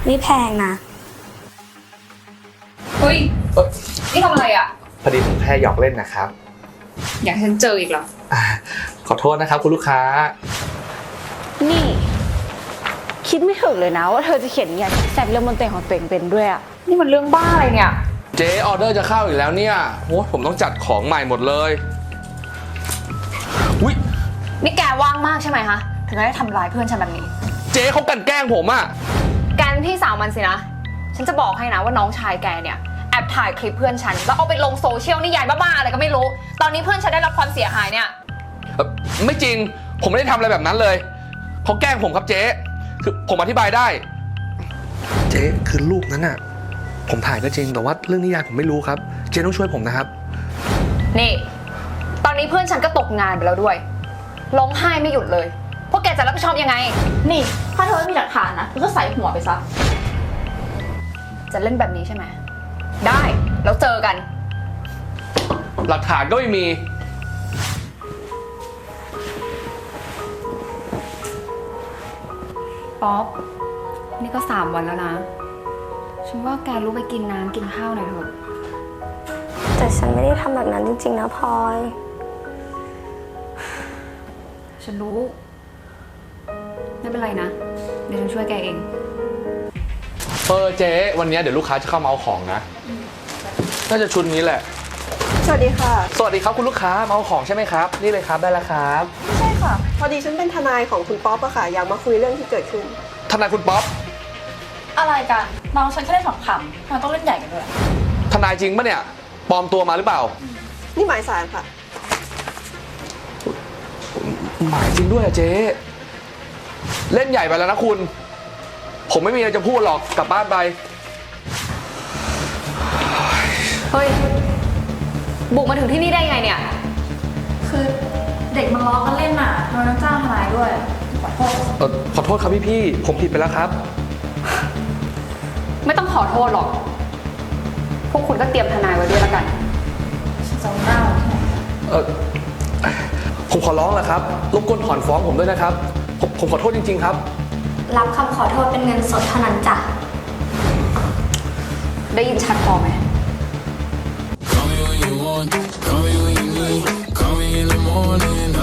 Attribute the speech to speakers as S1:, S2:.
S1: นี่แพงนะ
S2: เฮ้ยนี่ทำอะไรอ่ะ
S3: พอดีผมแค่หยอกเล่นนะครับ
S2: อยากให้ฉันเจออีกเหรอ
S3: ขอโทษนะครับคุณลูกค้า
S4: นี่คิดไม่ถึงเลยนะว่าเธอจะเขียนนิยายแซ่บเรื่องบนเตียงของตัวเองเป็นด้วยอะ
S2: นี่มันเรื่องบ้าอะไรเนี่ย
S3: เจ๊ออเดอร์จะเข้าอีกแล้วเนี่ยโอ้ผมต้องจัดของใหม่หมดเลยอุ๊ย
S2: นี่แกว่างมากใช่ไหมคะถึงได้ทำร้ายเพื่อนฉันแบบนี้
S3: เจ๊เขากลั่นแกล้งผมอะ
S2: แกเป็นพี่สาวมันสินะ ฉันจะบอกให้นะว่าน้องชายแกเนี่ยแอบถ่ายคลิปเพื่อนฉันแล้วเอาไปลงโซเชียลนี่ยายบ้าๆอะไรก็ไม่รู้ ตอนนี้เพื่อนฉันได้รับความเสียหายเนี่ย
S3: ไม่จริงผมไม่ได้ทำอะไรแบบนั้นเลยเขาแกล้งผมครับเจ๊คือผมอธิบายได้ เจ๊คือรูปนั้นอะผมถ่ายก็จริงแต่ว่าเรื่องนิยายผมไม่รู้ครับเจ๊ต้องช่วยผมนะครับ
S2: นี่ ตอนนี้เพื่อนฉันก็ตกงานไปแล้วด้วย ร้องไห้ไม่หยุดเลย พวกแกจะรับผิดชอบยังไง
S4: นี่ถ้าเธอไม่มีหลักฐานนะเธอก็ใส่หัวไปซะ
S2: จะเล่นแบบนี้ใช่ไหม ได้ แล้วเจอกัน
S3: หลักฐานก็ไม่มี
S2: ป๊อป นี่ก็3 วันแล้วนะ ฉันว่าแกรู้ไปกินน้ำกินข้าวหน่อยเถอะ
S1: แต่ฉันไม่ได้ทำแบบนั้นจริงๆนะพลอย
S2: ฉันรู้ ไม่เป็นไรนะ เดี๋ยวฉันช่วยแกเอง
S3: เจ๊วันนี้เดี๋ยวลูกค้าจะเข้ามาเอาของนะน่าจะชุดนี้แหละ
S5: สวัสดีค่ะ
S3: สวัสดีครับคุณลูกค้ามาเอาของใช่ไหมครับนี่เลยครับได้แล้วครับ
S5: ไม่ใช่ค่ะ พอดีฉันเป็นทนายของคุณป๊อปอะค่ะ อยากมาคุยเรื่องที่เกิดขึ้น
S3: ทนายคุณป๊อป
S4: อะไรกันน้องฉันแค่ได้2 คำทำไมต้องเล่นใหญ่กันด้วย
S3: ทนายจริงปะเนี่ยปลอมตัวมาหรือเปล่า
S5: นี่หมายสารค่ะ
S3: หมายจริงด้วยอะเจ๊เล่นใหญ่ไปแล้วนะคุณ ผมไม่มีอะไรจะพูดหรอกกลับบ้านไป
S2: เฮ้ย บุกมาถึงที่นี่ได้ไงเนี่ย
S4: คือเด็กมันล้อกันเล่นน่ะทำไมต้องจ้างทนายด้วยขอโทษ
S3: ขอโทษครับพี่ผมผิดไปแล้วครับ
S2: ไม่ต้องขอโทษหรอก พวกคุณก็เตรียมทนายไว้ด้วยแล้วกัน
S4: ฉันจะเล่าที่ไหน
S3: ผมขอร้องแหละครับรบกวนถอนฟ้องผมด้วยนะครับผมขอโทษจริงๆครับ
S1: รับคำขอโทษเป็นเงินสดเท่านั้นจ้ะ
S2: ได้ยินชัดพอไหม
S6: Call me when you want, call me when you need. Call me in the morning,